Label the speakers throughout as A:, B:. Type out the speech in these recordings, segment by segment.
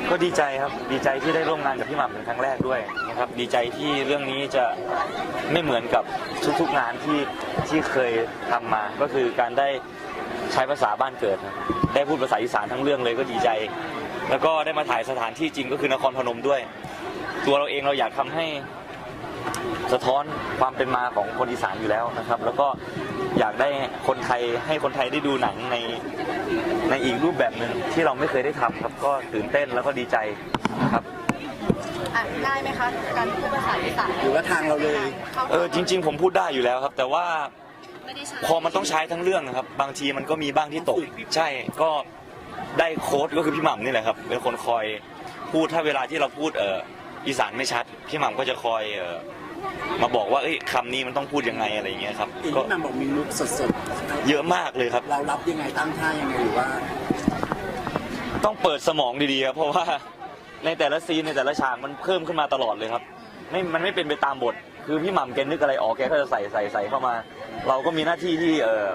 A: ก็ดีใจครับดีใจที่ได้ร่วมงานกับพี่หม่ำเป็นครั้งแรกด้วยนะครับดีใจที่เรื่องนี้จะไม่เหมือนกับทุกๆงานที่เคยทำมาก็คือการได้ใช้ภาษาบ้านเกิดนะได้พูดภาษาอีสานทั้งเรื่องเลยก็ดีใจแล้วก็ได้มาถ่ายสถานที่จริงก็คือนครพนมด้วยตัวเราเองเราอยากทำให้สะท้อนความเป็นมาของคนอีสานอยู่แล้วนะครับแล้วก็อยากได้คนไทยให้คนไทยได้ดูหนังในอีกรูปแบบหนึ่งที่เราไม่เคยได้ทำครับก็ตื่นเต้นแล้วก็ดีใจครับ
B: ได้ไหมคะการพูดภาษาอีสาน
C: หรือว่าทางเราเลย
A: จริงๆผมพูดได้อยู่แล้วครับแต่ว่าพอมันต้องใช้ทั้งเรื่องนะครับบางทีมันก็มีบ้างที่ตกใช่ก็ได้โค้ดก็คือพี่หม่ำนี่แหละครับเป็นคนคอยพูดถ้าเวลาที่เราพูดอีสานไม่ชัดพี่หม่ำก็จะคอยมาบอกว่าคำนี้มันต้องพูดยังไงอะไรอย่างเงี้ยครับ
C: ก็พี่หม่ำบอกมีมุกสด
A: ๆเยอะมากเลยครับ
C: เรารับยังไงตั้งท่ายังไงหรือว่า
A: ต้องเปิดสมองดีๆครับเพราะว่าในแต่ละซีนในแต่ละฉากมันเพิ่มขึ้นมาตลอดเลยครับมันไม่เป็นไปตามบทคือพี่หม่ำแกนึกอะไรออกแกก็จะใส่เข้ามาเราก็มีหน้าที่ที่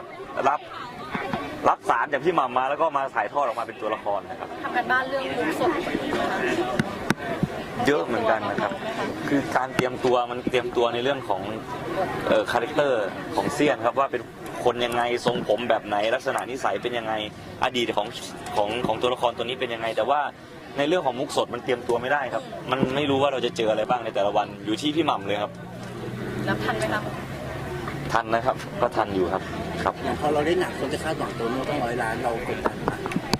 A: รับสารจากพี่หม่ำมาแล้วก็มาถ่ายทอดออกมาเป็นตัวละครนะครับ
B: ทำกันบ้านเรื่องมุกสด
A: เยอะเหมือนกันนะครับคือการเตรียมตัวมันเตรียมตัวในเรื่องของคาแรคเตอร์ของเซียนครับว่าเป็นคนยังไงทรงผมแบบไหนลักษณะนิสัยเป็นยังไงอดีตของตัวละครตัวนี้เป็นยังไงแต่ว่าในเรื่องของมุกสดมันเตรียมตัวไม่ได้ครับมันไม่รู้ว่าเราจะเจออะไรบ้างในแต่ละวันอยู่ที่พี่หม่ำเลยครับ
B: แล้วทันไหมครับ
A: ทันนะครับก็ทันอยู่ครับครับ
C: พอเราได้หนักคนจะคาดหวังตัวโน้ตต้อง100 ล้านเรากดดันไหม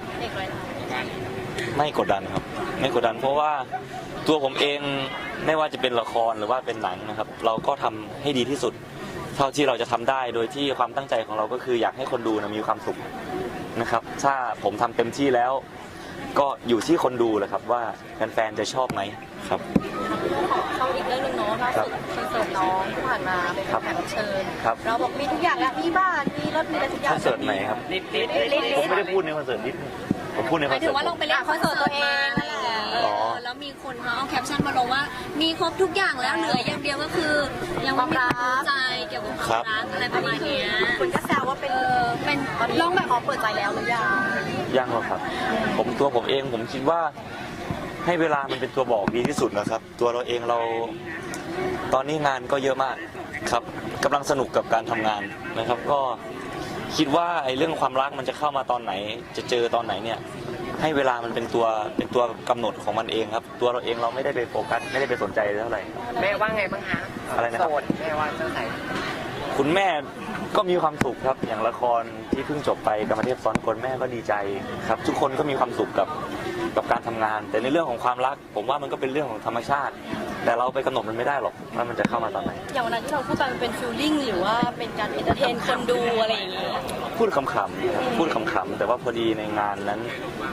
A: ไม่กดดันครับไม่กดดันเพราะว่าตัวผมเองไม่ว่าจะเป็นละครหรือว่าเป็นหนังนะครับเราก็ทำให้ดีที่สุดเท่าที่เราจะทำได้โดยที่ความตั้งใจของเราก็คืออยากให้คนดูมีความสุขนะครับถ้าผมทำเต็มที่แล้วก็อยู่ที่คนดูแหละครับว่าแฟนๆจะชอบไหมครับ
B: เข้าอีกเรื่องนึงเนาะล่าสุดคอนเสิร์ตน้องที่ผ่านมาเป็นแขกรับเชิญเราบอกมีทุกอย่างแล้วมีบ้านมีรถมีอะไรทุกอย่าง
A: คอนเสิร์ตไหนครับผมไม่ได้พูดในคอนเสิร์ตนิดผมพูดในคอนเสิร์ต
B: หมายถึงว่าลงไปเล่นคอนเสิร์ตตัวเองอะไรอย่างเงี้ย
D: แล้วมีคนเขาเอาแคปชั่นมาลงว่ามีครบทุกอย่างแล้วเหลืออย่างเดียวก็คือยังไม่มีความใจเกี่ยวกับความรักอะไรประมาณนี้
B: คนก็แซวว่าเป็นลองแบบเปิดใจแล้วหรือ
A: ยังหรอกครับตัวผมเองผมคิดว่าให้เวลามันเป็นตัวบอกดีที่สุดนะครับตัวเราเองเราตอนนี้งานก็เยอะมากครับกำลังสนุกกับการทำงานนะครับก็คิดว่าไอ้เรื่องความรักมันจะเข้ามาตอนไหนจะเจอตอนไหนเนี่ยให้เวลามันเป็นตัวกำหนดของมันเองครับตัวเราเองเราไม่ได้ไปโฟกัสไม่ได้ไปสนใจเท่าไหร่
E: แม่ว่าไงบ้างคะ
A: อะไรนะครับ
E: แม่ว่าเจ้าไหน
A: คุณแม่ก็มีความสุขครับอย่างละครที่เพิ่งจบไปกรรมเทพซ้อนกลแม่ก็ดีใจครับทุกคนก็มีความสุขกับการทำงานแต่ในเรื่องของความรักผมว่ามันก็เป็นเรื่องของธรรมชาติแต่เราไปกำหนดมันไม่ได้หรอกว่ามันจะเข้ามาตอนไหน
B: อย่างวันนั้นที่เราพูดไปมันเป็นฟิลลิ่งหรือว่าเป็นการเอนเตอร์เทนคนดูอะไรอย่างเงี้ย
A: พูดขำๆแต่ว่าพอดีในงานนั้น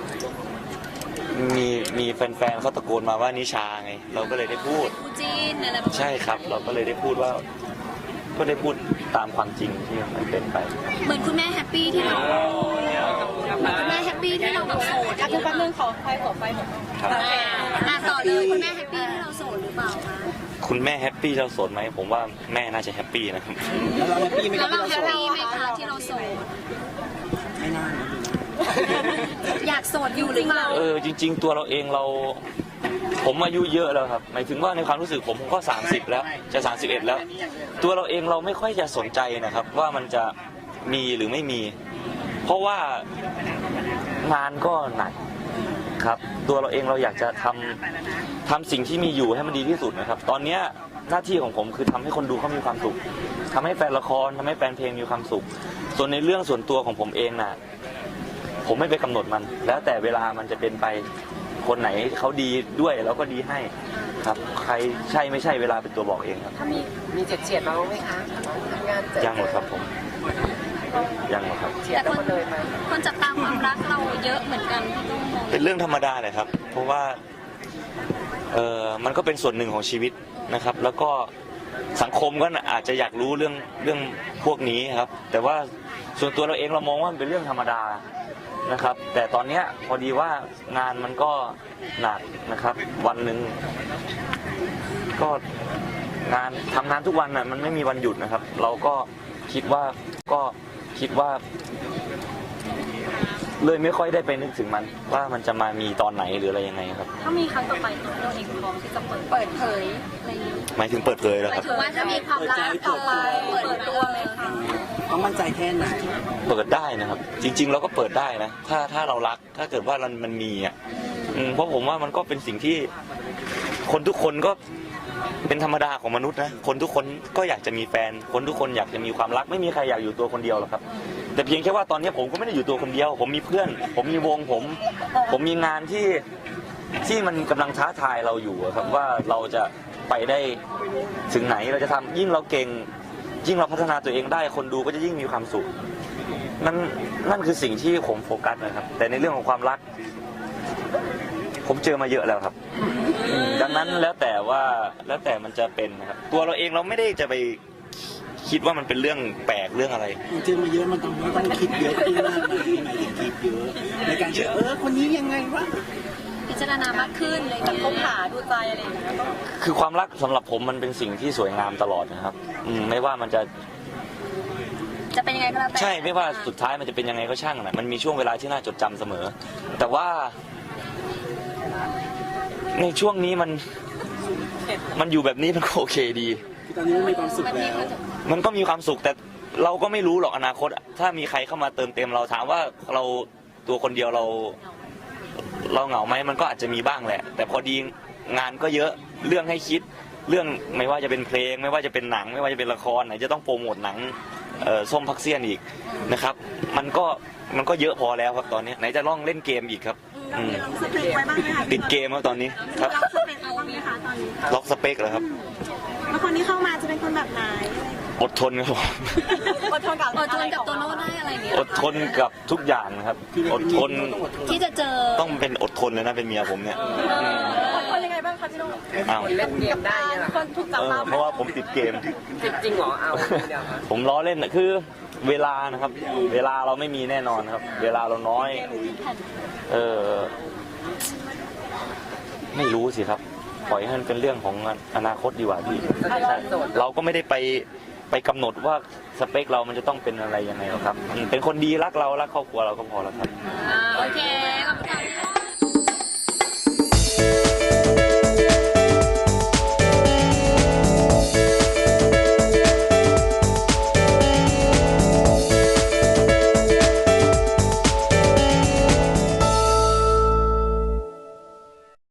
A: มีแฟนๆเขาตะโกนมาว่านิชาไงเราก็เลยได้พูดใช่ครับเราก็เลยได้พูดว่าก็ได้พูดตามความจริงที่มันเป็นไป
D: เหมือนคุณแม่แฮปปี้ที่เราคุณแม่แฮปปี้ที่เราแบบโสด
B: แป๊บนึงขอไฟหมด
D: ต่อเลยคุณแม่แฮปปี้ที่เราโสดหรือเปล่าคะ
A: คุณแม่แฮปปี้เราโสดไหมผมว่าแม่น่าจะแฮปปี้นะครับ
C: แล้วเราแฮปปี้ไหม
D: คะที่เราโสด
C: ไม่น่า
D: อยากโสดอยู่หรือเปล่า
A: จริงๆตัวเราเองผมอายุเยอะแล้วครับหมายถึงว่าในความรู้สึกผมก็30แล้วจะ31แล้วตัวเราเองเราไม่ค่อยจะสนใจนะครับว่ามันจะมีหรือไม่มีเพราะว่างานก็หนักครับตัวเราเองเราอยากจะทำสิ่งที่มีอยู่ให้มันดีที่สุดนะครับตอนนี้หน้าที่ของผมคือทำให้คนดูเขามีความสุขทำให้แฟนละครทำให้แฟนเพลงมีความสุขส่วนในเรื่องส่วนตัวของผมเองนะผมไม่ไปกำหนดมันแล้วแต่เวลามันจะเป็นไปคนไหนเขาดีด้วยแล้วก็ดีให้ครับใครใช่ไม่ใช่เวลาเป็นตัวบอกเองครับ
E: ถ้ามีเฉียดมาบ้างไหมคะงาน
A: ยังหมดครับผมยังหมดครับ
E: เฉียดมาเลยไหม
D: คนจับตามความรักเราเยอะเหมือนกัน
A: เป็นเรื่องธรรมดาเลยครับเพราะว่ามันก็เป็นส่วนหนึ่งของชีวิตนะครับแล้วก็สังคมก็อาจจะอยากรู้เรื่องพวกนี้ครับแต่ว่าส่วนตัวเราเองเรามองว่ามันเป็นเรื่องธรรมดานะครับแต่ตอนนี้พอดีว่างานมันก็หนักนะครับวันหนึ่งก็ทำงานทุกวันมันไม่มีวันหยุดนะครับเราก็คิดว่าเลยไม่ค่อยได้ไปนึกถึงมันว่ามันจะมามีตอนไหนหรืออะไรยังไงครับ
B: ถ้ามีครั้งต่อไปตัวเราเองพร้อมที่จะเปิดเผยใน
A: หมายถึงเปิดเผยแล้ว
D: ห
A: ค
D: มา
A: รั
D: ย
A: บ
D: ถึงว่าถ้ามีความรักต่อไปเปิดตัวไหมคะ
C: ต้องมั่นใจแค่ไหน
A: เปิดได้นะครับ จริง ๆ เราก็เปิดได้นะถ้าเรารักถ้าเกิดว่ามันมีอ่ะเพราะผมว่ามันก็เป็นสิ่งที่คนทุกคนก็เป็นธรรมดาของมนุษย์นะคนทุกคนก็อยากจะมีแฟนคนทุกคนอยากจะมีความรักไม่มีใครอยากอยู่ตัวคนเดียวหรอกครับ แต่เพียงแค่ว่าตอนนี้ผมก็ไม่ได้อยู่ตัวคนเดียว ผมมีเพื่อน ผมมีวงผมมีงานที่มันกำลังท้าทายเราอยู่อะครับว่าเราจะไปได้ถึงไหนเราจะทำยิ่งเราเก่งยิ่งเราพัฒนาตัวเองได้คนดูก็จะยิ่งมีความสุขนั่นคือสิ่งที่ผมโฟกัสนะครับแต่ในเรื่องของความรักผมเจอมาเยอะแล้วครับดังนั้นแล้วแต่มันจะเป็นนะครับตัวเราเองเราไม่ได้จะไปคิดว่ามันเป็นเรื่องแปลกเรื่องอะไร
C: เจอมาเยอะมันต้องคิดเยอะขึ้นมากเลยหมายถึงคิดเยอะในการเชื่อคนนี้ยังไงวะ
D: พิจารณามากขึ้นอะไรอย่าง
B: แบบ
D: เงี้ย
B: คบหาดูใจอะไรอย่างเงี้ยต้อง
A: คือความรักสำหรับผมมันเป็นสิ่งที่สวยงามตลอดนะครับไม่ว่ามันจะ
D: จะเป็นยังไงก็แล้วแต่
A: ใช่ไม่ว่าสุดท้ายมันจะเป็นยังไงก็ช่างนะมันมีช่วงเวลาที่น่าจดจำเสมอ แต่ว่า ในช่วงนี้มันอยู่แบบนี้มันก็โอเคดี
C: ตอนนี้มันมีความสุขแล้ว
A: มันก็มีความสุขแต่เราก็ไม่รู้หรอกอนาคตถ้ามีใครเข้ามาเติมเต็มเราถามว่าเราตัวคนเดียวเราเหงาไหมมันก็อาจจะมีบ้างแหละ แต่พอดีงานก็เยอะเรื่องให้คิดเรื่องไม่ว่าจะเป็นเพลงไม่ว่าจะเป็นหนังไม่ว่าจะเป็นละครไหนจะต้องโปรโมทหนังส้มพักเซียนอีกนะครับมันก็เยอะพอแล้วครับตอนนี้ไหนจะล่องเล่นเกมอีกครับ
F: สเปคไว้บ้างไหมคะ
A: ติดเกมครับตอนนี้ครับ
F: ล็อกสเปคเอาบ้างไหมคะตอนนี้
A: ล็อกสเปคเหรอครับ
F: แล้วคนที่เข้ามาจะเป็นคนแบบไหน
A: อดทนครับผม
B: อดทนกับ
D: อดทนกับโตโน่ได้อะไรเงี้ย
A: อดทนกับทุกอย่างนะครับอดทน
D: ที่จะเจอ
A: ต้องเป็นอดทนเลยนะเป็นเมียผมเนี่ย
B: อดทนยังไงบ้างคะพี่โน่
A: อ้าว
E: เล่นเกมได้เนี่ยเหรอ
B: คนถูกจับตา
A: เพราะว่าผมติดเกม
E: จริงเหรอเอาเดี๋ยวค่ะ
A: ผมล้อเล่นนะคือเวลานะครับ เวลาเราไม่มีแน่นอนครับ เวลาเราน้อย ไม่รู้สิครับปล่อยให้มันเป็นเรื่องของอนาคตดีกว่าพี่เราก็ไม่ได้ไปกำหนดว่าสเปคเรามันจะต้องเป็นอะไรยังไงหรอกครับเป็นคนดีรักเรารักครอบครัวเราก็พอแล้วครับ
D: โอเคขอบคุณค่ะ